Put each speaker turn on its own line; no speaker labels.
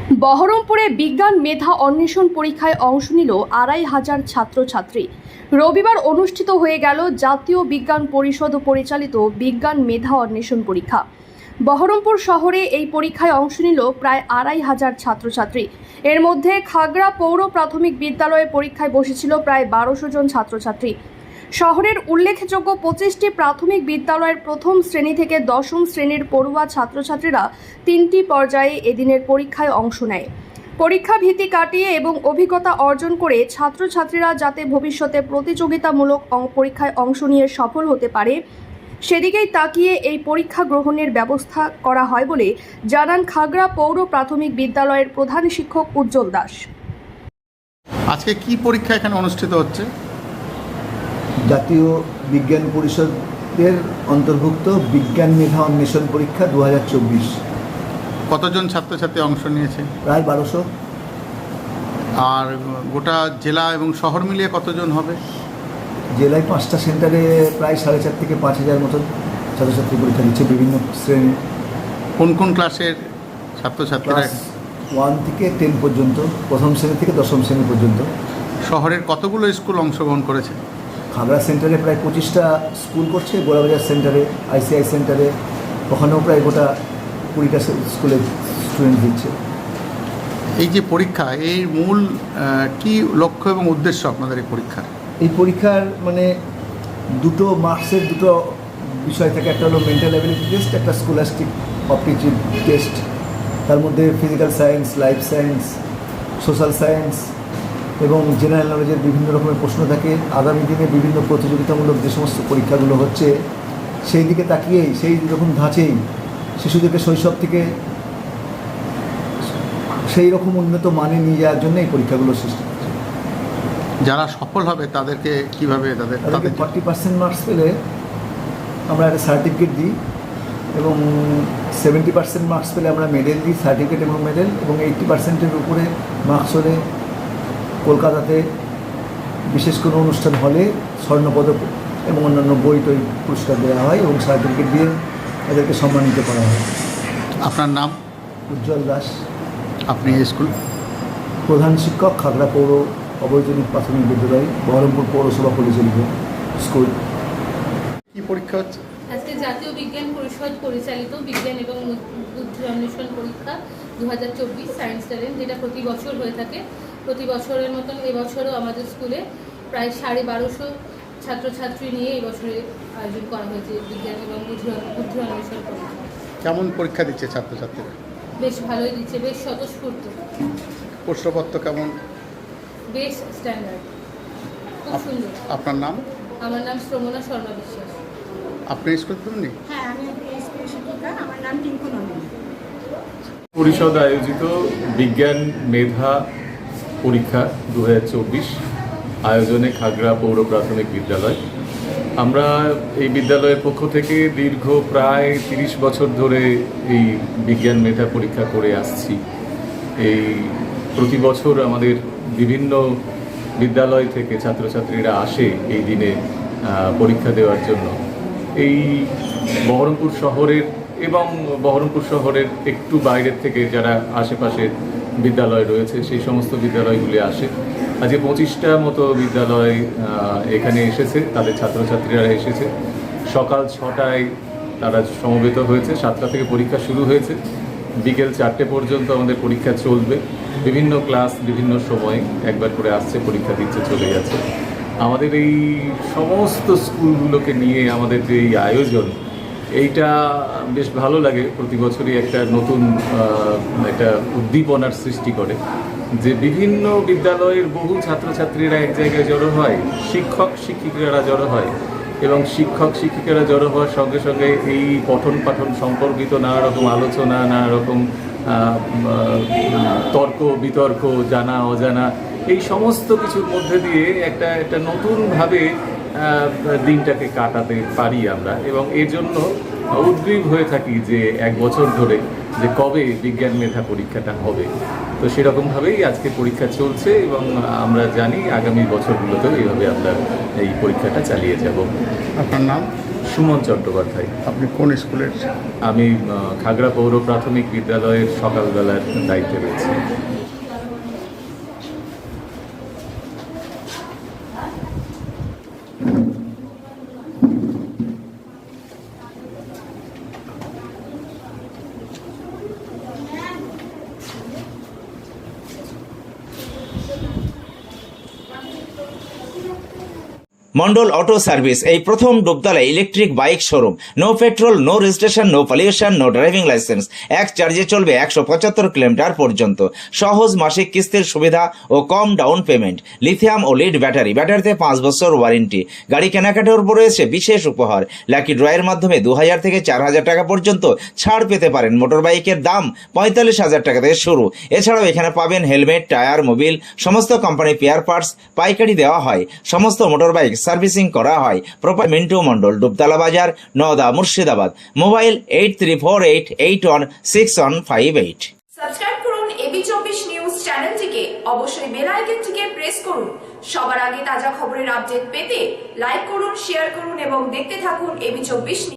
বহরমপুরে বিজ্ঞান মেধা অন্বেষণ পরীক্ষায় অংশ নিল ২৫০০ ছাত্রছাত্রী। রবিবার অনুষ্ঠিত হয়ে গেল জাতীয় বিজ্ঞান পরিষদ পরিচালিত বিজ্ঞান মেধা অন্বেষণ পরীক্ষা। বহরমপুর শহরে এই পরীক্ষায় অংশ নিল প্রায় ২৫০০ ছাত্রছাত্রী। এর মধ্যে খাগড়া পৌর প্রাথমিক বিদ্যালয়ে পরীক্ষায় বসেছিল প্রায় ১২০০ জন ছাত্রছাত্রী। শহরের উল্লেখযোগ্য ২৫টি প্রাথমিক বিদ্যালয়ের প্রথম শ্রেণী থেকে দশম শ্রেণীর পড়ুয়া ছাত্রছাত্রীরা ৩টি পর্যায়ে এদিনের পরীক্ষায় অংশ নেয়। পরীক্ষা ভীতি কাটিয়ে এবং অভিজ্ঞতা অর্জন করে ছাত্রছাত্রীরা যাতে ভবিষ্যতে প্রতিযোগিতামূলক পরীক্ষায় অংশ নিয়ে সফল হতে পারে সেদিকেই তাকিয়ে এই পরীক্ষা গ্রহণের ব্যবস্থা করা হয় বলে জানান খাগড়া পৌর প্রাথমিক বিদ্যালয়ের প্রধান শিক্ষক উজ্জ্বল দাস।
আজকে কি পরীক্ষা এখানে অনুষ্ঠিত হচ্ছে?
জাতীয় বিজ্ঞান পরিষদের অন্তর্ভুক্ত বিজ্ঞান মেধা অন্বেষণ পরীক্ষা ২০২৪।
কতজন ছাত্রছাত্রী অংশ নিয়েছে?
প্রায় ১২০০।
আর গোটা জেলা এবং শহর মিলিয়ে কতজন হবে?
জেলায় ৫টা সেন্টারে প্রায় ৪.৫ থেকে ৫,০০০ মতন ছাত্রছাত্রী পরীক্ষা দিচ্ছে বিভিন্ন শ্রেণী।
কোন কোন ক্লাসের ছাত্রছাত্রীরা?
ক্লাস 1 থেকে 10 পর্যন্ত, প্রথম শ্রেণী থেকে দশম শ্রেণী পর্যন্ত।
শহরের কতগুলো স্কুল অংশগ্রহণ করেছে?
খাগড়া সেন্টারে প্রায় ২৫টা স্কুল করছে, গোড়াবাজার সেন্টারে, ICI সেন্টারে, ওখানেও প্রায় গোটা 20টা স্কুলের স্টুডেন্ট দিচ্ছে।
এই যে পরীক্ষা, এই মূল কি লক্ষ্য এবং উদ্দেশ্য আপনাদের এই পরীক্ষার?
এই পরীক্ষার মানে দুটো মার্কসের দুটো বিষয় থাকে, একটা হলো মেন্টাল অ্যাবিলিটি টেস্ট, একটা স্কলাস্টিক অপটিটিউড টেস্ট। তার মধ্যে physical science, life science, social science এবং জেনারেল নলেজের বিভিন্ন রকমের প্রশ্ন থাকে। আগামী দিনে বিভিন্ন প্রতিযোগিতামূলক যে সমস্ত পরীক্ষাগুলো হচ্ছে সেই দিকে তাকিয়েই, সেই রকম ধাঁচেই শিশুদেরকে শৈশব থেকে সেই রকম উন্নত মানে নিয়ে যাওয়ার জন্য এই পরীক্ষাগুলো সৃষ্টি হচ্ছে।
যারা সফল হবে তাদেরকে কিভাবে
তাদেরকে 40% মার্কস পেলে আমরা একটা সার্টিফিকেট দিই এবং 70% মার্কস পেলে আমরা মেডেল দিই, সার্টিফিকেট এবং মেডেল, এবং 80%-এর উপরে মার্কস হলে কলকাতাতে বিশেষ কোনো অনুষ্ঠান হলে স্বর্ণপদক এবং অন্যান্য বই টই পুরস্কার দেওয়া হয় এবং সার্টিফিকেট দিয়ে এদেরকে সম্মানিত করা হয়।
আপনার নাম?
উজ্জ্বল দাস।
আপনি এই স্কুল?
প্রধান শিক্ষক, খাগড়া পৌর অবৈতনিক প্রাথমিক বিদ্যালয়, বহরমপুর পৌরসভা পরিচালিত স্কুল।
কি পরীক্ষা হচ্ছে?
আজকে জাতীয় বিজ্ঞান পরিষদ পরিচালিত বিজ্ঞান এবং বুদ্ধি অন্বেষণ পরীক্ষা ২০২৪ সায়েন্স ট্যালেন্ট, যেটা প্রতি বছর হয়ে থাকে। প্রতি বছরের মতন এবছরও আমাদের স্কুলে প্রায় ১২৫০ ছাত্রছাত্রী নিয়ে এবছরে আয়োজন করা হয়েছে বিজ্ঞান এবং বুদ্ধি অন্বেষণ পরীক্ষা।
কেমন পরীক্ষা দিচ্ছে ছাত্রছাত্রীরা?
বেশ ভালোই দিচ্ছে, বেশ স্বতঃস্ফূর্ত,
প্রশ্নপত্র কেমন?
বেশ স্ট্যান্ডার্ড, খুব সুন্দর।
আপনার নাম?
আমার নাম শ্রমণা শর্মা বিশ্বাস।
আপনি স্কুল তুমি?
হ্যাঁ, আমি স্কুলের শিক্ষিকা, আমার নাম টিঙ্কু নন্দিনী।
পরিষদ আয়োজিত বিজ্ঞান মেধা পরীক্ষা ২০২৪ আয়োজনে খাগড়া পৌর প্রাথমিক বিদ্যালয়। আমরা এই বিদ্যালয়ের পক্ষ থেকে দীর্ঘ প্রায় ৩০ বছর ধরে এই বিজ্ঞান মেধা পরীক্ষা করে আসছি। এই প্রতি বছর আমাদের বিভিন্ন বিদ্যালয় থেকে ছাত্রছাত্রীরা আসে এই দিনে পরীক্ষা দেওয়ার জন্য। এই বহরমপুর শহরের এবং বহরমপুর শহরের একটু বাইরের থেকে যারা আশেপাশের বিদ্যালয় রয়েছে সেই সমস্ত বিদ্যালয়গুলি আসে। আজকে 25টা মতো বিদ্যালয় এখানে এসেছে, তাদের ছাত্রছাত্রীরা এসেছে। সকাল 6টায় তারা সমবেত হয়েছে, 7টা থেকে পরীক্ষা শুরু হয়েছে, বিকেল 4টে পর্যন্ত আমাদের পরীক্ষা চলবে। বিভিন্ন ক্লাস বিভিন্ন সময় একবার করে আসছে, পরীক্ষা দিচ্ছে, চলে যাচ্ছে। আমাদের এই সমস্ত স্কুলগুলোকে নিয়ে আমাদের যে এই আয়োজন, এইটা বেশ ভালো লাগে। প্রতি বছরই একটা নতুন একটা উদ্দীপনার সৃষ্টি করে যে বিভিন্ন বিদ্যালয়ের বহু ছাত্রছাত্রীরা এক জায়গায় জড়ো হয়, শিক্ষক শিক্ষিকারা জড়ো হয় এবং শিক্ষক শিক্ষিকারা জড়ো হওয়ার সঙ্গে সঙ্গে এই পঠন পাঠন সম্পর্কিত নানা রকম আলোচনা, নানা রকম তর্ক বিতর্ক, জানা অজানা, এই সমস্ত কিছুর মধ্যে দিয়ে একটা নতুনভাবে দিনটাকে কাটাতে পারি আমরা, এবং এর জন্য উদ্গ্রীব হয়ে থাকি যে এক বছর ধরে যে কবে বিজ্ঞান মেধা পরীক্ষাটা হবে। তো সেরকমভাবেই আজকে পরীক্ষা চলছে এবং আমরা জানি আগামী বছরগুলোতেও এইভাবে আমরা এই পরীক্ষাটা চালিয়ে যাব।
আপনার নাম?
সুমন চট্টোপাধ্যায়।
আপনি কোন স্কুলের?
আমি খাগড়া পৌর প্রাথমিক বিদ্যালয়ের সকালবেলার দায়িত্বে রয়েছি।
মন্ডল অটো সার্ভিস এই প্রথম Dubtala electric bike showroom. No petrol, no registration, no pollution, no driving licence. এক চার্জে চলবে 175 কিলোমিটার পর্যন্ত। সহজ মাসিক কিস্তির সুবিধা ও কম ডাউন পেমেন্ট। লিথিয়াম ও লিড ব্যাটারিতে 5 বছর ওয়ারেন্টি। গাড়ি কেনাকাটার উপর রয়েছে বিশেষ উপহার। লাকি ড্রয়ের মাধ্যমে 2000 থেকে 4000 টাকা পর্যন্ত ছাড় পেতে পারেন। মোটর বাইকের দাম 45,000 টাকা থেকে শুরু। এছাড়াও এখানে পাবেন হেলমেট, টায়ার, মোবিল, সমস্ত কোম্পানি পেয়ার পার্টস পাইকারি দেওয়া হয়। সমস্ত মোটর বাইক সার্ভিসিং করা হয়। প্রপার মিন্টু মন্ডল, ডুবতলা বাজার, নওদা, মুর্শিদাবাদ। মোবাইল 8348816158।
সাবস্ক্রাইব করুন এবি24 নিউজ চ্যানেলটিকে, অবশ্যই বেল আইকনটিকে প্রেস করুন। সবার আগে তাজা খবরের আপডেট পেতে লাইক করুন, শেয়ার করুন এবং দেখতে থাকুন এবি24।